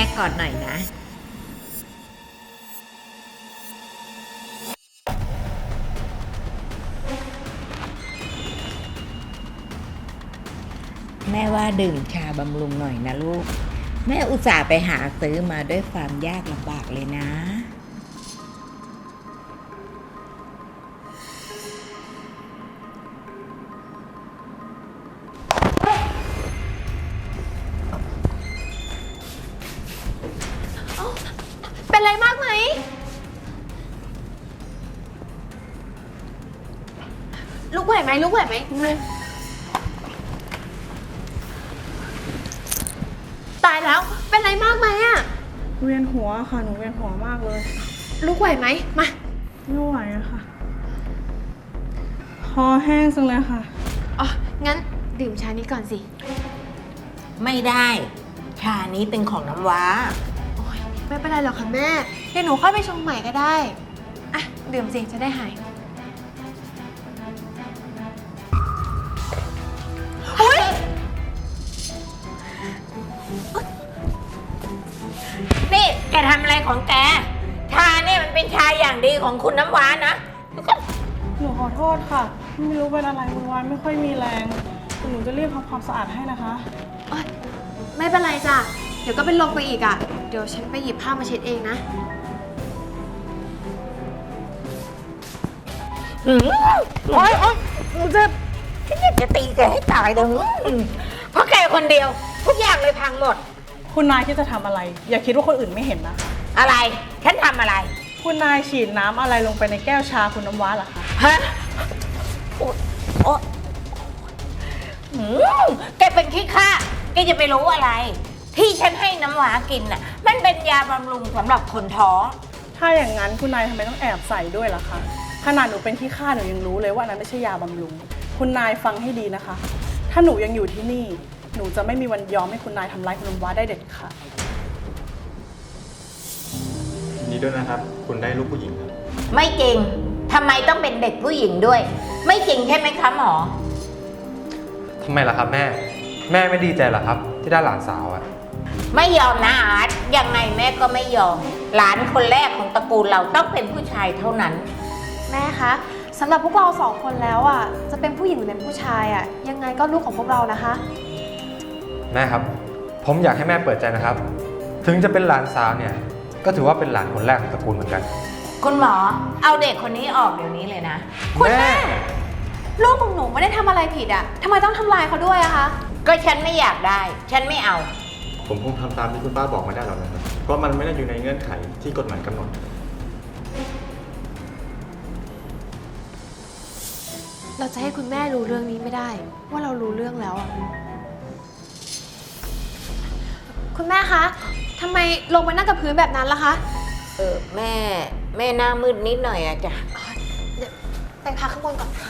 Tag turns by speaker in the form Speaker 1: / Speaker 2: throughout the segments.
Speaker 1: ก่อนหน่อยนะแม่ว่าดื่มชาบำรุงหน่อยนะลูกแม่อุตส่าห์ไปหาซื้อมาด้วยความยากลำบากเลยนะ
Speaker 2: เป็นไรมากไหมลุกไหวไหมตายแล้วเป็นไรมากไหมอะ
Speaker 3: เวียนหัวค่ะหนูเวียนหัวมากเลย
Speaker 2: ลุกไหวไหมมา
Speaker 3: ไม่ไหวอะค่ะคอแห้งจังเลยค่ะ
Speaker 2: อ๋องั้นดื่มชานี้ก่อนสิ
Speaker 1: ไม่ได้ชานี้เป็นของน้ำว้า
Speaker 2: โอ๊ยไม่เป็นไรหรอกค่ะแม่เดี๋ยวหนูค่อยไปชงใหม่ก็ได้อ่ะดื่มสิจะได้หาย
Speaker 1: นี่แกทำอะไรของแกชาเนี่ยมันเป็นชาอย่างดีของคุณน้ำว้านะ
Speaker 3: หนูขอโทษค่ะไม่รู้เป็นอะไรวันไม่ค่อยมีแรงหนูจะรีบทำความสะอาดให้นะคะ
Speaker 2: ไม่เป็นไรจ้ะเดี๋ยวก็เป็นลมไปอีกอ่ะเดี๋ยวฉันไปหยิบผ้ามาเช็ดเองนะ
Speaker 1: โอ๊ยเจ็บฉันอยากจะตีแกให้ตายเลยเพราะแกคนเดียวทุกอย่างเลยพังหมด
Speaker 3: คุณนายที่จะทำอะไรอย่าคิดว่าคนอื่นไม่เห็นนะ
Speaker 1: อะไรฉันทำอะไร
Speaker 3: คุณนายฉีดน้ำอะไรลงไปในแก้วชาคุณน้ำว้าเหรอคะ
Speaker 1: ฮะโอ๊ยแกเป็นขี้ข้าแกจะไปรู้อะไรที่ฉันให้น้ำว้ากินน่ะมันเป็นยาบำรุงสำหรับคนท้อง
Speaker 3: ถ้าอย่างนั้นคุณนายทำไมต้องแอบใส่ด้วยล่ะคะขนาดหนูเป็นขี้ข้าหนูยังรู้เลยว่านั้นไม่ใช่ยาบำรุงคุณนายฟังให้ดีนะคะถ้าหนูยังอยู่ที่นี่หนูจะไม่มีวันยอมให้คุณนายทำร้ายคุณน้ำว้าได้เด็ดขาด
Speaker 4: ยินดีด้วยนะครับคุณได้ลูกผู้หญิงครับ
Speaker 1: ไม่จริงทำไมต้องเป็นเด็กผู้หญิงด้วยไม่จริงใช่ไหมคะหมอ
Speaker 4: ทำไมล่ะครับแม่ไม่ดีใจเหรอครับที่ได้หลานสาวอะ
Speaker 1: ไม่ยอมนะอาร์ตยังไงแม่ก็ไม่ยอมหลานคนแรกของตระกูลเราต้องเป็นผู้ชายเท่านั้น
Speaker 2: แม่คะสำหรับพวกเรา2 คนแล้วอ่ะจะเป็นผู้หญิงหรือเป็นผู้ชายอ่ะยังไงก็ลูกของพวกเรานะคะ
Speaker 4: แม่ครับผมอยากให้แม่เปิดใจนะครับถึงจะเป็นหลานสาวเนี่ยก็ถือว่าเป็นหลานคนแรกของตระกูลเหมือนกัน
Speaker 1: คุณหมอเอาเด็กคนนี้ออกเดี๋ยวนี้เลยนะ
Speaker 2: คุณแม่ลูกของหนูไม่ได้ทำอะไรผิดอ่ะทำไมต้องทำลายเขาด้วยอะคะ
Speaker 1: ก็ฉันไม่อยากได้ฉันไม่เอา
Speaker 4: ผมคงทำตามที่คุณป้าบอกไม่ได้หรอกนะครับเพราะมันไม่ได้อยู่ในเงื่อนไขที่กฎหมายกำหนด
Speaker 2: เราจะให้คุณแม่รู้เรื่องนี้ไม่ได้ว่าเรารู้เรื่องแล้วอ่ะคุณแม่คะทำไมลงมานั่งกับพื้นแบบนั้นล่ะคะ
Speaker 1: แม่หน้ามืดนิดหน่อยอะจ้ะ
Speaker 2: เดี๋ยวไปพักข้างบนก่อนค่ะ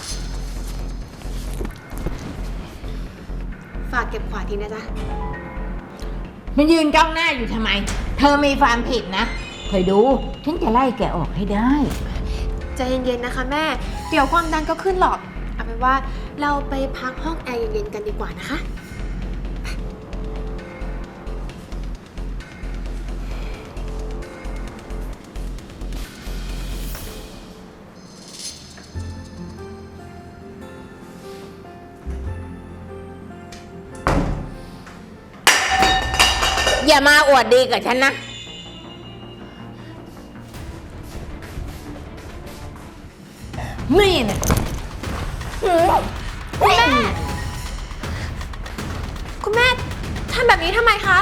Speaker 2: ฝากเก็บขวาทีนะจ๊ะ
Speaker 1: มันยืนจ้องหน้าอยู่ทำไมเธอมีความผิดนะคอยดูฉันจะไล่แกออกให้ได้
Speaker 2: ใจเย็นๆนะคะแม่เดี๋ยวความดันก็ขึ้นหรอกเอาเป็นว่าเราไปพักห้องแอร์เย็นๆกันดีกว่านะคะ
Speaker 1: อย่ามาอวดดีกับฉันนะนี่นะ
Speaker 2: คุณแม่ทำแบบนี้ทำไมคะ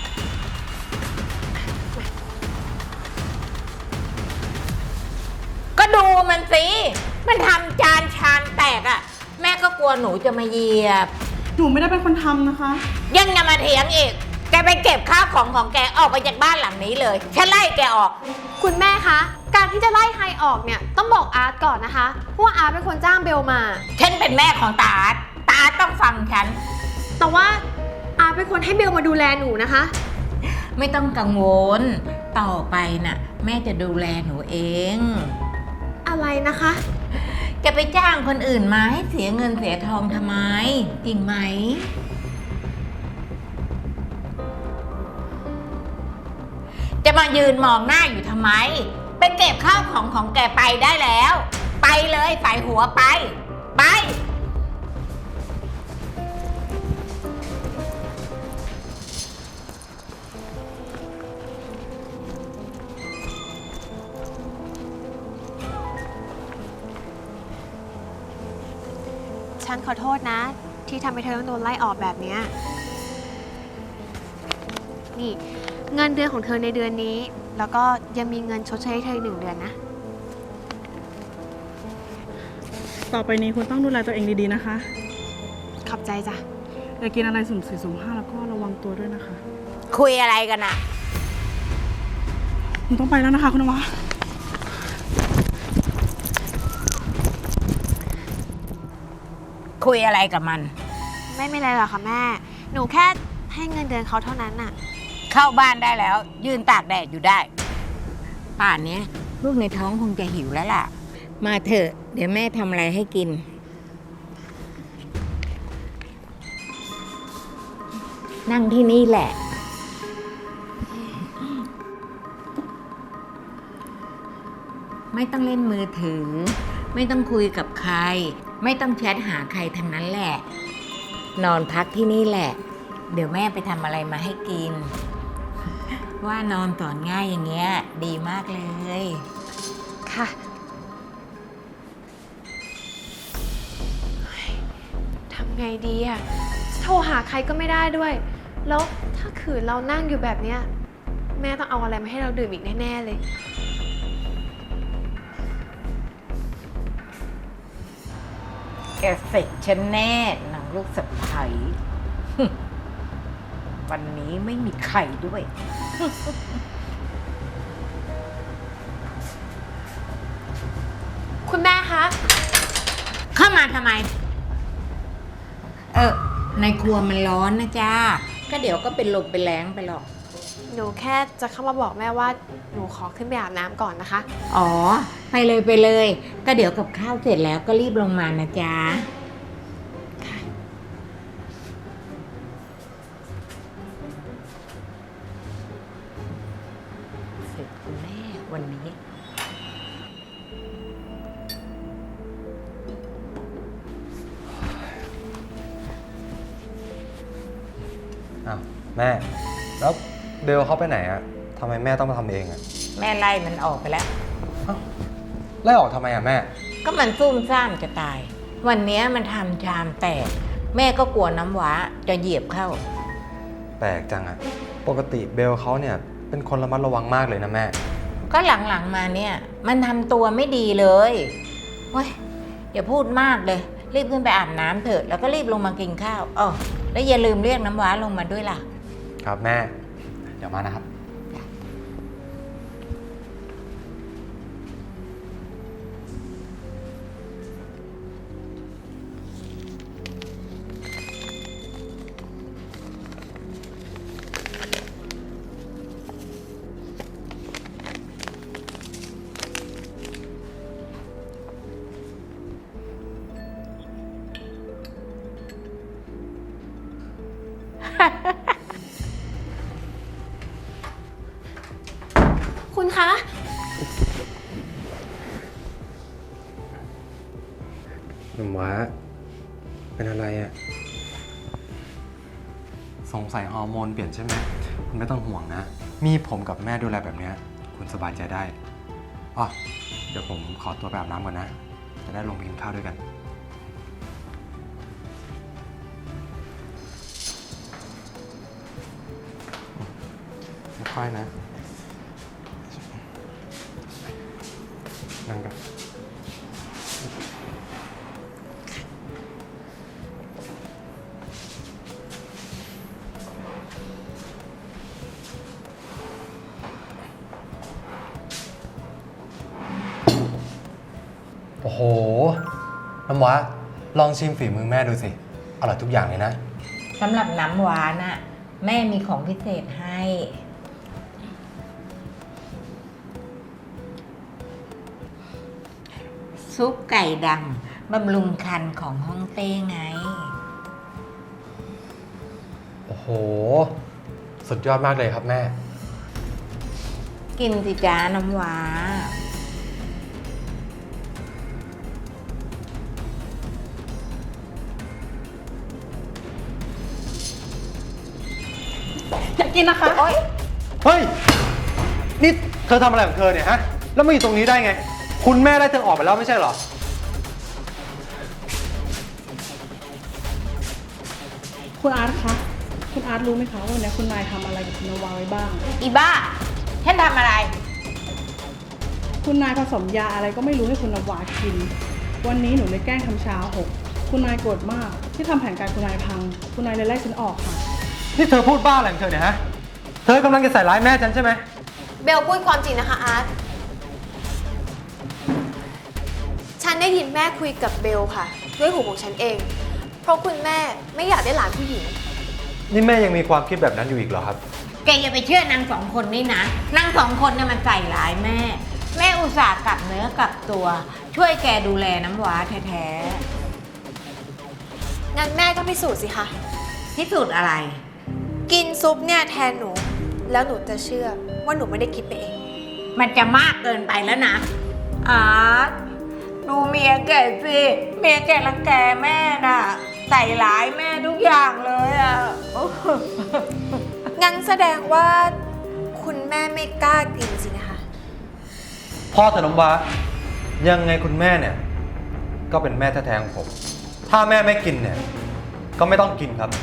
Speaker 1: ก็ดูมันสิมันทำจานชามแตกอะแม่ก็กลัวหนูจะมาเหยียบ
Speaker 3: หนูไม่ได้เป็นคนทำนะคะ
Speaker 1: ยังจะมาเถียงอีกแกไปเก็บข้าวของแกออกไปจากบ้านหลังนี้เลยฉันไล่แกออก
Speaker 2: คุณแม่คะการที่จะไล่ใครออกเนี่ยต้องบอกอาร์ตก่อนนะคะเพราะว่าอาร์ตเป็นคนจ้างเบลมา
Speaker 1: ฉันเป็นแม่ของตาอาร์ตต้องฟังฉัน
Speaker 2: แต่ว่าอาร์ตเป็นคนให้เบลมาดูแลหนูนะคะ
Speaker 1: ไม่ต้องกังวลต่อไปน่ะแม่จะดูแลหนูเอง
Speaker 2: อะไรนะคะ
Speaker 1: แกไปจ้างคนอื่นมาให้เสียเงินเสียทองทำไมจริงไหมจะมายืนมองหน้าอยู่ทำไม ไปเก็บข้าวของแกไปได้แล้ว ไปเลยใส่หัวไป ไป
Speaker 2: ฉันขอโทษนะ ที่ทำให้เธอต้องโดนไล่ออกแบบเนี้ยนี่เงินเดือนของเธอในเดือนนี้ แล้วก็ยังมีเงินชดเชยให้เธออีก1 เดือนนะ
Speaker 3: ต่อไปนี้คุณต้องดูแลตัวเองดีๆนะคะ
Speaker 2: ขอบใจจ้ะ
Speaker 3: อย่ากินอะไรสุ่มสี่สุ่มห้าแล้วก็ระวังตัวด้วยนะคะ
Speaker 1: คุยอะไรกันอะ
Speaker 3: คุณต้องไปแล้วนะคะคุณนวะ
Speaker 1: คุยอะไรกับมัน
Speaker 2: ไม่เป็นไรหรอกค่ะแม่ หนูแค่ให้เงินเดือนเขาเท่านั้นน่ะ
Speaker 1: เข้าบ้านได้แล้ว ยืนตากแดดอยู่ได้ ป่านเนี้ยลูกในท้องคงจะหิวแล้วล่ะ มาเถอะ เดี๋ยวแม่ทำอะไรให้กิน นั่งที่นี่แหละ ไม่ต้องเล่นมือถือ ไม่ต้องคุยกับใคร ไม่ต้องแชทหาใครทั้งนั้นแหละ นอนพักที่นี่แหละ เดี๋ยวแม่ไปทำอะไรมาให้กิน ว่านอนสอนง่ายอย่างเงี้ย ดีมากเลย
Speaker 2: ค่ะ ทำไงดีอะโทรหาใครก็ไม่ได้ด้วย แล้วถ้าขืนเรานั่งอยู่แบบเนี้ยแม่ต้องเอาอะไรมาให้เราดื่มอีกแน่ๆเลย
Speaker 1: แกเสร็จฉันแน่หนังลูกสะใภ้ วันนี้ไม่มีใครด้วย
Speaker 2: คุณแม่คะ
Speaker 1: เข้ามาทำไม ในครัวมันร้อนนะจ้า ก็เดี๋ยวก็เป็นลมเป็นแรงไปหรอก
Speaker 2: หนูแค่จะเข้ามาบอกแม่ว่าหนูขอขึ้นไปอาบน้ำก่อนนะคะ
Speaker 1: อ๋อ ไปเลยไปเลย ก็เดี๋ยวกับข้าวเสร็จแล้วก็รีบลงมานะจ๊ะ เสร็จคุณแม่วันนี้
Speaker 4: อ้าวแม่ แล้วเบลเขาไปไหนอะทำไมแม่ต้องมาทำเองอะ
Speaker 1: แม่ไล่มันออกไปแล้ว
Speaker 4: อ้าวไล่ออกทำไมอะแม่
Speaker 1: ก็มันซุ่มซ่ามจะตาย วันนี้มันทำชามแตก แม่ก็กลัวน้ำว้าจะเหยียบเข้า
Speaker 4: แปลกจังอะปกติเบลเขาเนี่ยเป็นคนระมัดระวังมากเลยนะแม่
Speaker 1: ก็หลังๆมาเนี่ย มันทำตัวไม่ดีเลยเฮ้ยอย่าพูดมากเลย รีบขึ้นไปอาบน้ำเถอะ แล้วก็รีบลงมากินข้าวอ๋อแล้วอย่าลืมเรียกน้ำว้าลงมาด้วยล่ะ
Speaker 4: ครับแม่ เดี๋ยวมานะครับ
Speaker 2: คุณคะ
Speaker 4: หนุ่มว้าเป็นอะไรอะสงสัยฮอร์โมนเปลี่ยนใช่ไหมคุณไม่ต้องห่วงนะ มีผมกับแม่ดูแลแบบเนี้ยคุณสบายใจได้อ๋อเดี๋ยวผมขอตัวไปอาบน้ำก่อนนะ จะได้ลงไปกินข้าวด้วยกันค่อยๆนะนั่งกัน โอ้โห น้ำว้าลองชิมฝีมือแม่ดูสิ อร่อยทุกอย่างเลยนะ
Speaker 1: สำหรับน้ำหวานน่ะ แม่มีของพิเศษให้ ซุปไก่ดำบำรุงคันของฮ่องเต้ไง
Speaker 4: โอ้โห สุดยอดมากเลยครับแม่
Speaker 1: กินสิจ้าน้ำว้า
Speaker 3: อยากกินนะคะ
Speaker 1: โอ๊ย
Speaker 4: เฮ้ย นี่เธอทำอะไรของเธอเนี่ยฮะ แล้วมาอยู่ตรงนี้ได้ไง คุณแม่ได้เธอออกไปแล้วไม่ใช่เหรอ
Speaker 3: คุณอาร์ตคะ คุณอาร์ตรู้ไหมคะว่าวันนี้คุณนายทำอะไรกับคุณนาวาไว้บ้าง
Speaker 1: อีบ้า ฉันทำอะไร
Speaker 3: คุณนายผสมยาอะไรก็ไม่รู้ให้คุณนาวากิน วันนี้หนูเลยแกล้งทำชาหก คุณนายโกรธมากที่ทำแผนการคุณนายพัง คุณนายเลยไล่ฉันออกค่ะ
Speaker 4: นี่เธอพูดบ้าอะไรของเธอเนี่ยฮะ เธอกำลังจะใส่ร้ายแม่ฉันใช่ไหม
Speaker 2: เบลพูดความจริงนะคะอาร์ต ฉันได้ยินแม่คุยกับเบลค่ะ ด้วยหูของฉันเอง เพราะคุณแม่ไม่อยากได้หลานผู้หญิง
Speaker 4: นี่แม่ยังมีความคิดแบบนั้นอยู่อีกเหรอครับ
Speaker 1: แกอย่าไปเชื่อนางสองคนนี่นะ นางสองคนเนี่ยมันใส่ร้ายแม่ แม่อุตส่าห์กลับเนื้อกลับตัว ช่วยแกดูแลน้ำว้าแท้
Speaker 2: งั้นแม่ก็พิสูจน์สิคะ
Speaker 1: ๆที่สุดอะไร
Speaker 2: กินซุปเนี่ยแทนหนู แล้วหนูจะเชื่อว่าหนูไม่ได้คิดไปเอง
Speaker 1: มันจะมากเกินไปแล้วนะอาร์ตดูเมียแกสิ เมียแกรังแกแม่น่ะ ใส่ร้ายแม่ทุกอย่างเลยอ่ะ
Speaker 2: งั้นแสดงว่าคุณแม่ไม่กล้ากินสินะคะ
Speaker 4: พ่อเธอน้ำว้ายังไงคุณแม่เนี่ย ก็เป็นแม่แท้ๆของผม ถ้าแม่ไม่กินเนี่ย ก็ไม่ต้องกินครับ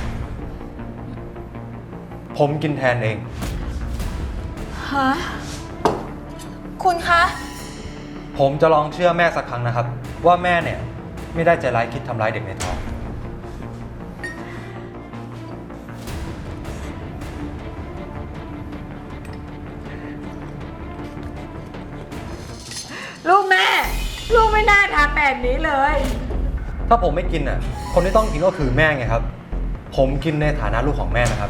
Speaker 4: ผมกินแทนเอง
Speaker 2: ฮะ คุณคะ
Speaker 4: ผมจะลองเชื่อแม่สักครั้งนะครับ ว่าแม่เนี่ยไม่ได้ใจร้ายคิดทำร้ายเด็กในท้อง
Speaker 1: ลูกแม่ ลูกไม่น่าทำแบบนี้เลย
Speaker 4: ถ้าผมไม่กินน่ะ คนที่ต้องกินก็คือแม่ไงครับ ผมกินในฐานะลูกของแม่นะครับ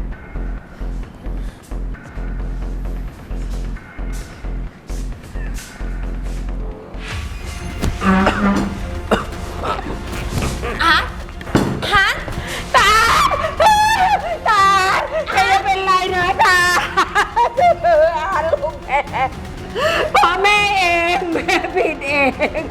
Speaker 2: อาร์ตฮะ
Speaker 1: ตา ตาแกจะเป็นไรนะตาลูกแม่เพราะแม่เอง แม่ผิดเอง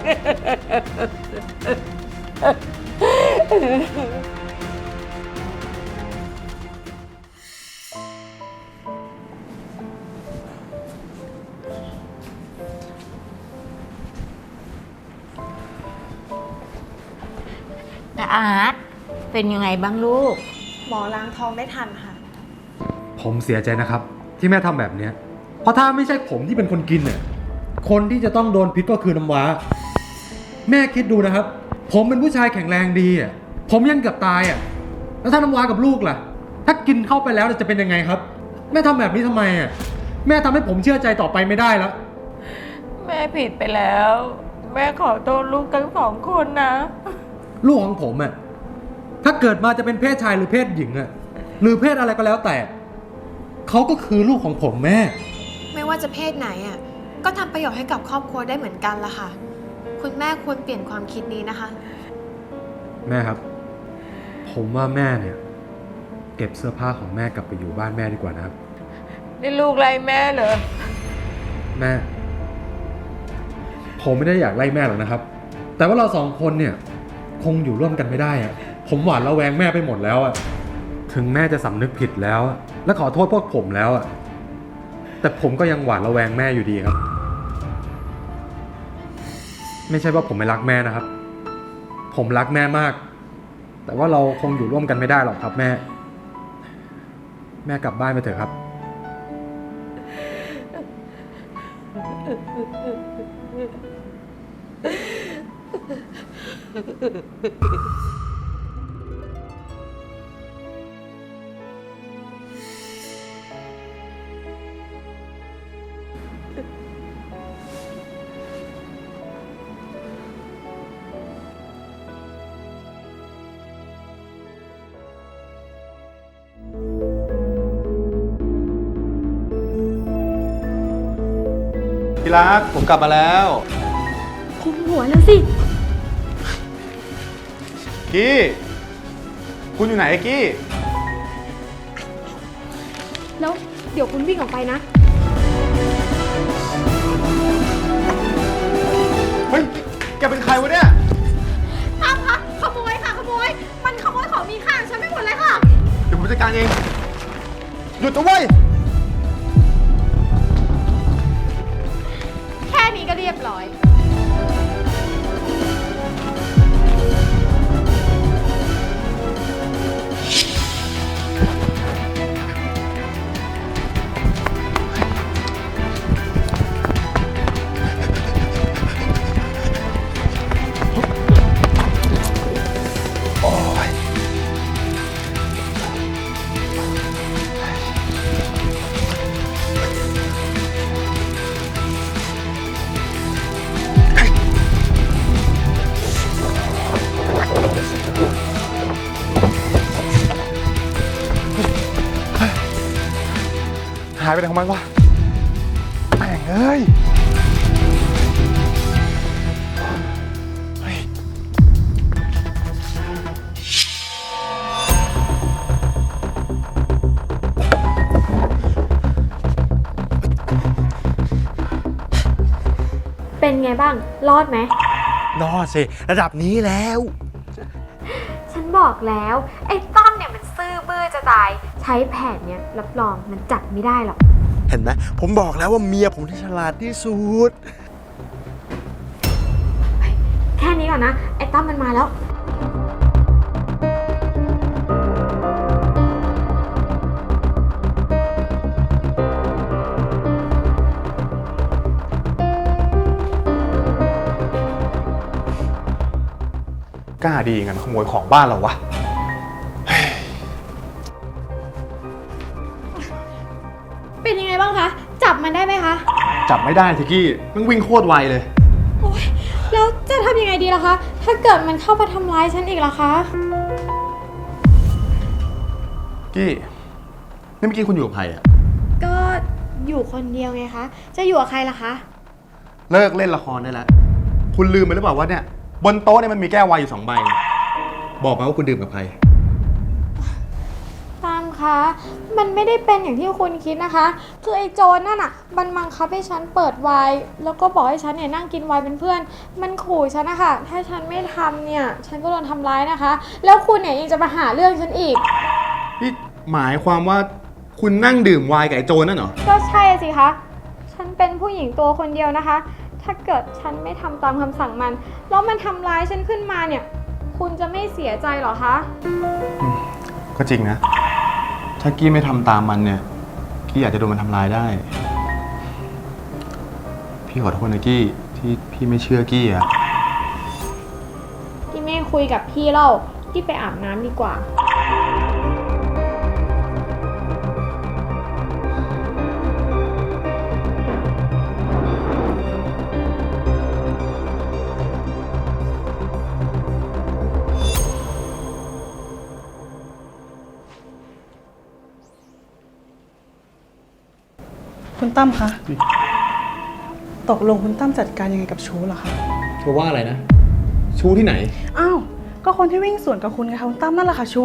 Speaker 1: แต่อาร์ตเป็นยังไงบ้างลูก
Speaker 2: หมอล้างท้องได้ทันค่ะ
Speaker 4: ผมเสียใจนะครับ ที่แม่ทำแบบเนี้ยเพราะถ้าไม่ใช่ผมที่เป็นคนกินเนี่ยคนที่จะต้องโดนพิษก็คือน้ำว้า แม่คิดดูนะครับ ผมเป็นผู้ชายแข็งแรงดีอ่ะผมยังเกือบตายอ่ะแล้วถ้าน้ำว้ากับลูกล่ะ ถ้ากินเข้าไปแล้วจะเป็นยังไงครับ แม่ทำแบบนี้ทำไมอ่ะแม่ทำให้ผมเชื่อใจต่อไปไม่ได้แล้ว
Speaker 1: แม่ผิดไปแล้ว แม่ขอโทษลูกทั้งสองคนนะ
Speaker 4: ลูกของผมอ่ะถ้าเกิดมาจะเป็นเพศชายหรือเพศหญิงอ่ะหรือเพศอะไรก็แล้วแต่เขาก็คือลูกของผมแม่
Speaker 2: ไม่ว่าจะเพศไหนอ่ะ ก็ทำประโยชน์ให้กับครอบครัวได้เหมือนกันละค่ะ คุณแม่ควรเปลี่ยนความคิดนี้นะคะ
Speaker 4: แม่ครับ ผมว่าแม่เนี่ยเก็บเสื้อผ้าของแม่กลับไปอยู่บ้านแม่ดีกว่านะครับ
Speaker 1: นี่ลูกไล่แม่เหรอ
Speaker 4: แม่ ผมไม่ได้อยากไล่แม่หรอกนะครับ แต่ว่าเราสองคนเนี่ยคงอยู่ร่วมกันไม่ได้อะผมหวาดระแวงแม่ไปหมดแล้วอะถึงแม่จะสำนึกผิดแล้วอะและขอโทษพวกผมแล้วอะแต่ผมก็ยังหวาดระแวงแม่อยู่ดีครับ ไม่ใช่ว่าผมไม่รักแม่นะครับ ผมรักแม่มาก แต่ว่าเราคงอยู่ร่วมกันไม่ได้หรอกครับแม่ แม่กลับบ้านไปเถอะครับ
Speaker 5: ที่รักผมกลับมาแล้ว
Speaker 2: คุมหัวแล้วสิ
Speaker 5: กี้คุณอยู่ไหนไอ้กี้
Speaker 2: แล้วเดี๋ยวคุณวิ่งออกไปนะ
Speaker 5: แกเป็นใครวะเนี่ย
Speaker 2: ตั้มคะขโมยค่ะขโมย มันขโมยของมีค่าของฉันไม่หมดเลยค่ะ
Speaker 5: เดี๋ยวผมจัดการเอง หยุดนะเว้ย
Speaker 2: แค่นี้ก็เรียบร้อย
Speaker 5: หายไปไหนของมันวะแม่งเอ้ยเฮ้ย
Speaker 2: เป็นไงบ้าง รอดไหม
Speaker 5: รอดสิ ระดับนี้แล้ว
Speaker 2: ฉันบอกแล้ว ไอ้ตั้มเนี่ยมันซื่อบื้อจะตาย ใช้แผนเนี่ยรับรองมันจับไม่ได้หรอก
Speaker 5: เห็นไหม ผมบอกแล้วว่าเมียผมที่ฉลาดที่สุด
Speaker 2: แค่นี้ก่อนนะ ไอ้ตั้มมันมาแล้ว
Speaker 5: กล้าดีงั้นขโมยของบ้านเราวะ
Speaker 2: เป็นยังไงบ้างคะ จับมันได้ไหมคะ
Speaker 5: จับไม่ได้ทิกกี้มันวิ่งโคตรไวเลย
Speaker 2: โอ๊ย แล้วจะทำยังไงดีล่ะคะ ถ้าเกิดมันเข้ามาทำร้ายฉันอีกล่ะคะ
Speaker 5: กี้นี่เมื่อกี้คุณอยู่กับใครอะ
Speaker 2: ก็อยู่คนเดียวไงคะ จะอยู่กับใครล่ะคะ
Speaker 5: เลิกเล่นละครได้แล้ว คุณลืมไปหรือเปล่าว่าเนี่ย บนโต๊ะเนี่ยมันมีแก้วไวน์อยู่2 ใบ บอกมาว่าคุณดื่มกับใคร
Speaker 2: ตามคะ มันไม่ได้เป็นอย่างที่คุณคิดนะคะ คือไอ้โจรนั่นอ่ะ มันบังคับให้ฉันเปิดไวน์แล้วก็บอกให้ฉันเนี่ยนั่งกินไวน์เป็นเพื่อน มันขู่ฉันนะคะ ถ้าฉันไม่ทำเนี่ย ฉันก็โดนทำร้ายนะคะ แล้วคุณเนี่ยยังจะมาหาเรื่องฉันอีก
Speaker 5: นี่หมายความว่าคุณนั่งดื่มไวน์กับไอ้โจรนั่นเหรอ
Speaker 2: ก็ใช่สิคะ ฉันเป็นผู้หญิงตัวคนเดียวนะคะ ถ้าเกิดฉันไม่ทำตามคำสั่งมัน แล้วมันทำร้ายฉันขึ้นมาเนี่ย คุณจะไม่เสียใจเหรอคะ
Speaker 5: ก็จริงนะ ถ้ากี้ไม่ทำตามมันเนี่ย กี้อาจจะโดนมันทำร้ายได้ พี่ขอโทษนะกี้ที่พี่ไม่เชื่อกี้อะ
Speaker 2: ที่ไม่คุยกับพี่เล่าที่ไปอาบน้ำดีกว่า
Speaker 3: คุณตั้มคะ ตกลงคุณตั้มจัดการยังไงกับชูเหรอคะ
Speaker 5: เธอว่าอะไรนะ ชู้ที่ไหน
Speaker 3: อ้าว ก็คนที่วิ่งสวนกับคุณไงคะคุณตั้มนั่นแหละค่ะชู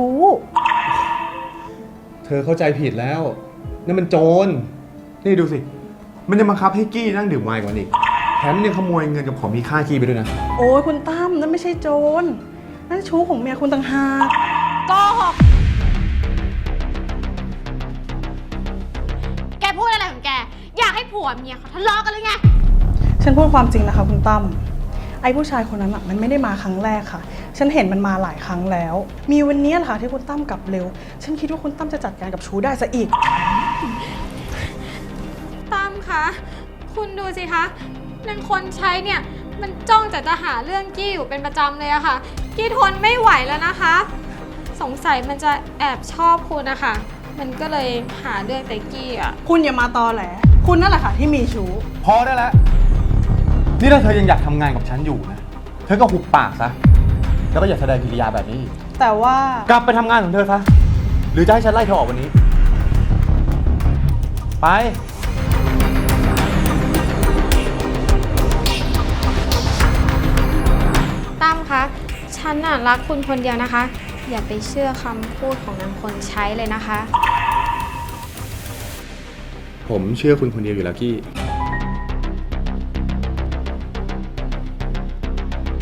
Speaker 5: เธอเข้าใจผิดแล้วนั่นมันโจร นี่ดูสิ มันจะบังคับให้กี้นั่งดื่มไวน์กว่านี้อีกแถมยังขโมยเงินกับของมีค่ากี้ไปด้วยนะ
Speaker 3: โอ้ยคุณตั้มนั่นไม่ใช่โจร นั่นชูของเมียคุณต่างหาก
Speaker 2: โกหก แกพูดอะไรของแก อยากให้ผัวเมียเขาทะเลาะกันหรือไง
Speaker 3: ฉันพูดความจริงนะคะคุณตั้ม ไอ้ผู้ชายคนนั้นอ่ะมันไม่ได้มาครั้งแรกค่ะ ฉันเห็นมันมาหลายครั้งแล้ว มีวันนี้แหละค่ะที่คุณตั้มกลับเร็ว ฉันคิดว่าคุณตั้มจะจัดการกับชูได้ซะอีก
Speaker 2: ตั้มคะ คุณดูสิคะนางคนใช้เนี่ย มันจ้องจะหาเรื่องกี้อยู่เป็นประจำเลยอะค่ะ กี้ทนไม่ไหวแล้วนะคะ สงสัยมันจะแอบชอบคุณนะคะ มันก็เลยหาเรื่องแต่กี้อะ
Speaker 3: คุณอย่ามาตอแหล คุณนั่นแหละค่ะที่มีชู
Speaker 5: พอได้แล้ว นี่ถ้าเธอยังอยากทำงานกับฉันอยู่นะ เธอก็หุบปากซะ แล้วก็อย่าแสดงกิริยาแบบนี้อีก
Speaker 3: แต่ว่า
Speaker 5: กลับไปทำงานของเธอซะ หรือจะให้ฉันไล่เธอออกวันนี้ ไป
Speaker 2: ตั้มคะ ฉันน่ะรักคุณคนเดียวนะคะ อย่าไปเชื่อคำพูดของนางคนใช้เลยนะคะ
Speaker 5: ผมเชื่อคุณคนเดียวอยู่แล้วกี้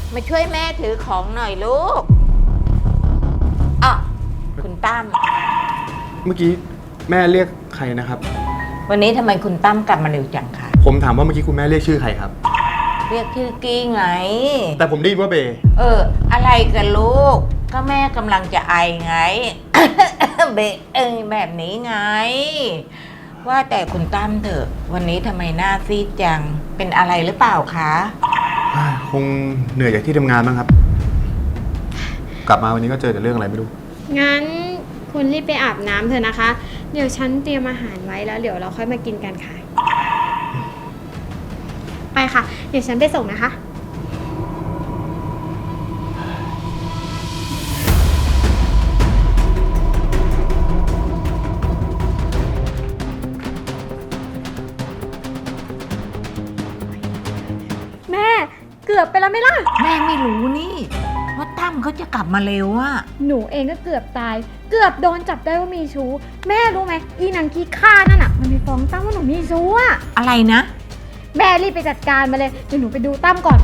Speaker 1: มาช่วยแม่ถือของหน่อยลูกอ่ะคุณตั้ม
Speaker 5: เมื่อกี้แม่เรียกใครนะครับ
Speaker 1: วันนี้ทำไมคุณตั้มกลับมาเร็วจังคะ
Speaker 5: ผมถามว่าเมื่อกี้คุณแม่เรียกชื่อใครครับ
Speaker 1: เรียกชื่อกี้ไง
Speaker 5: แต่ผมได้ยินว่าเบย์
Speaker 1: อะไรกันลูก ก็แม่กำลังจะไอไง เบะแบบนี้ไง ว่าแต่คุณตั้มเถอะ วันนี้ทำไมหน้าซีดจัง เป็นอะไรหรือเปล่าคะ
Speaker 5: คงเหนื่อยจากที่ทำงานบ้างครับ กลับมาวันนี้ก็เจอแต่เรื่องอะไรไม่รู้
Speaker 2: งั้นคุณรีบไปอาบน้ำเถอะนะคะ เดี๋ยวฉันเตรียมอาหารไว้แล้วเดี๋ยวเราค่อยมากินกันค่ะ ไปค่ะ เดี๋ยวฉันไปส่งนะคะ แม่เกือบไปแล้วไหมล่ะ
Speaker 1: แม่ไม่รู้นี่ ว่าตั้มเขาจะกลับมาเร็วอะ
Speaker 2: หนูเองก็เกือบตาย เกือบโดนจับได้ว่ามีชู้ แม่รู้ไหมอีนางขี้ข้านั่นอ่ะ มันไปฟ้องตั้มว่าหนูมีชู้อ่ะ
Speaker 1: อะไรนะ
Speaker 2: แม่รีบไปจัดการมาเลย เดี๋ยวหนูไปดูตั้มก่อน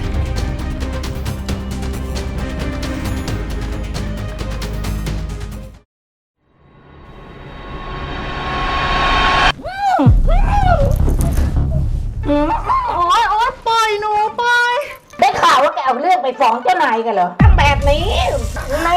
Speaker 1: ได้ข่าวว่าแกเอาเรื่องไปฟ้องเจ้านายกันเหรอทำแบบนี้ไม่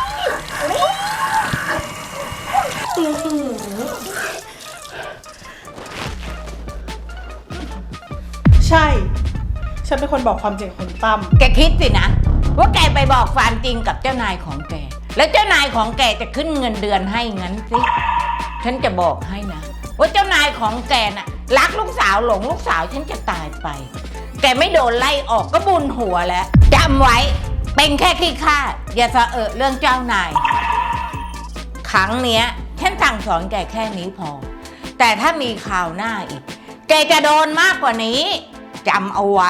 Speaker 3: ใช่ ฉันเป็นคนบอกความจริงกับคุณตั้ม
Speaker 1: แกคิดสินะ ว่าแกไปบอกความจริงกับเจ้านายของแก แล้วเจ้านายของแกจะขึ้นเงินเดือนให้งั้นสิฉันจะบอกให้นะ ว่าเจ้านายของแกน่ะรักลูกสาวหลงลูกสาวฉันจะตายไป แกไม่โดนไล่ออกก็บุญหัวแล้วจำไว้เป็นแค่ขี้ข้าอย่าสะเรื่องเจ้านาย ครั้งเนี้ยฉันสั่งสอนแกแค่นี้พอ แต่ถ้ามีข่าวหน้าอีก แกจะโดนมากกว่านี้จำเอาไว้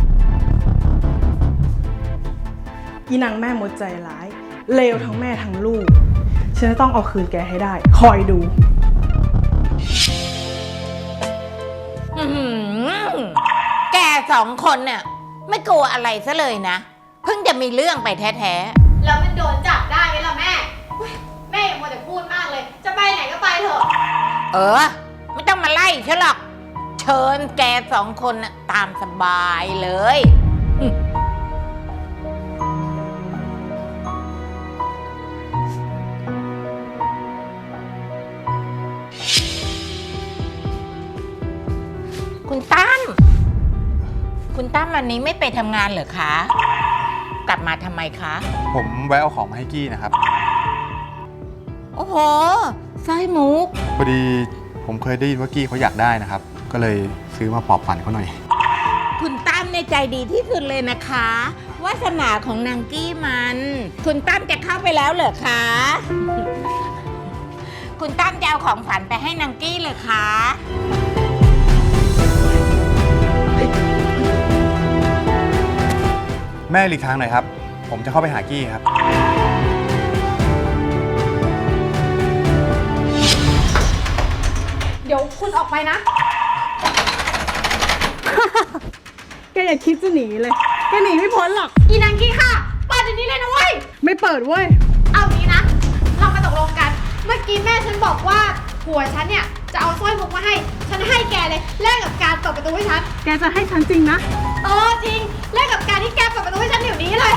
Speaker 3: อีนางแม่มดใจร้าย เลวทั้งแม่ทั้งลูก ฉันจะต้องเอาคืนแกให้ได้ คอยดู
Speaker 1: อื้อหือแกสองคนเนี่ยไม่กลัวอะไรซะเลยนะ เพิ่งจะมีเรื่องไปแท้
Speaker 2: แล้วมันโดนจับได้ไหมล่ะแม่อุ๊ยแม่อย่ามัวแต่พูดมากเลย จะไปไหนก็ไปเถอะ
Speaker 1: ๆไม่ต้องมาไล่ฉันหรอก เชิญแกสองคนน่ะตามสบายเลยคุณตั้มวันนี้ไม่ไปทำงานเหรอคะ กลับมาทำไมคะ
Speaker 5: ผมแวะเอาของมาให้กี้นะครับ
Speaker 1: โอ้โหสร้อยมุก
Speaker 5: พอดีผมเคยได้ยินว่ากี้เขาอยากได้นะครับ ก็เลยซื้อมาปลอบฝันเขาหน่อย
Speaker 1: คุณตั้มในใจดีที่สุดเลยนะคะ วาสนาของนางกี้มัน คุณตั้มจะเข้าไปแล้วเหรอคะ คุณตั้มจะเอาของฝันไปให้นางกี้เลยคะ
Speaker 5: แม่หลีกทางหน่อยครับ ผมจะเข้าไปหากี้ครับ
Speaker 2: เดี๋ยวคุณออกไปนะ
Speaker 3: แกอย่าคิดจะหนีเลย แกหนีไม่พ้นหรอก
Speaker 2: อีนางขี้ข้าเปิดเดี๋ยวนี้เลยนะเว้ย
Speaker 3: ไม่เปิดเว้ย
Speaker 2: เอางี้นะ เรามาตกลงกัน เมื่อกี้แม่ฉันบอกว่าผัวฉันเนี่ยจะเอาสร้อยมุกมาให้ ฉันให้แกเลยแลกกับการเปิดประตูให้ฉัน
Speaker 3: แกจะให้ฉันจริงนะ
Speaker 2: จริงแลกกับการที่แกเปิดประตูให้ฉันเดี๋ยวนี้เลย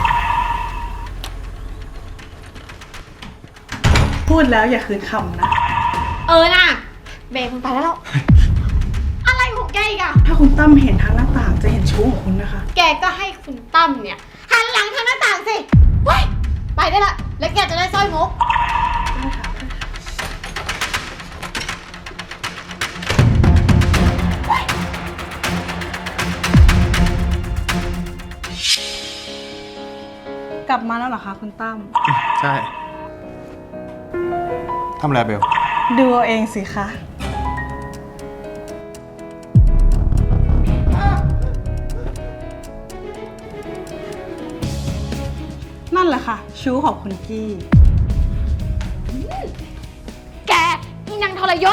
Speaker 3: พูดแล้วอย่าคืนคำนะ
Speaker 2: น่ะเบรกมันไปแล้ว อะไรของแกอีกอะ
Speaker 3: ถ้าคุณตั้มเห็นทางหน้าต่างจะเห็นชู้ของคุณนะคะ
Speaker 2: แกก็ให้คุณตั้มเนี่ยหันหลังทางหน้าต่างสิเว้ยไปได้ละ แล้วแกจะได้สร้อยมุก
Speaker 3: กลับมาแล้วเหรอคะคุณตั้ม
Speaker 5: ใช่ทำอะไรเบล
Speaker 3: ดูเอาเองสิคะ นั่นแหละค่ะ ชู้ของคุณกี้
Speaker 2: แกอีนางทรยศ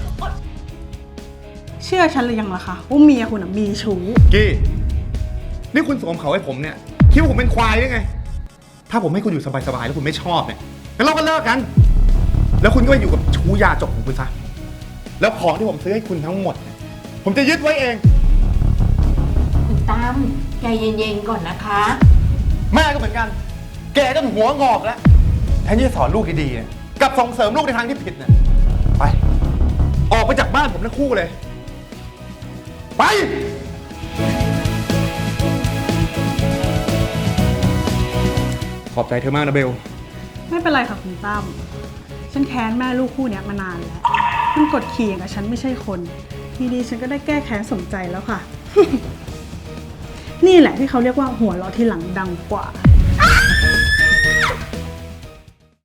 Speaker 3: เชื่อฉันหรือยังล่ะคะว่าเมียคุณน่ะมีชู้
Speaker 5: กี้นี่คุณสวมเขาให้ผมเนี่ยคิดว่าผมเป็นควายได้ไง ถ้าผมให้คุณอยู่สบายๆแล้วคุณไม่ชอบเนี่ยงั้นเราก็เลิกกัน แล้วคุณก็ไปอยู่กับชู้ยาจกของคุณซะ แล้วของที่ผมซื้อให้คุณทั้งหมดเนี่ยผมจะยึดไว้เอง
Speaker 1: คุณตั้มใจเย็นๆก่อนนะคะ
Speaker 5: แม่ก็เหมือนกัน แกก็หัวงอกแล้ว แทนที่จะสอนลูกดีๆเนี่ยกลับส่งเสริมลูกในทางที่ผิดเนี่ย ไป ออกไปจากบ้านผมทั้งคู่เลย ไป ขอบใจเธอมากนะเบล
Speaker 3: ไม่เป็นไรค่ะคุณตั้มฉันแค้นแม่ลูกคู่เนี้ยมานานแล้ว มันกดขี่อย่างกับฉันไม่ใช่คน ทีนี้ฉันก็ได้แก้แค้นสมใจแล้วค่ะ นี่แหละที่เขาเรียกว่าหัวเราะที่หลังดังกว่า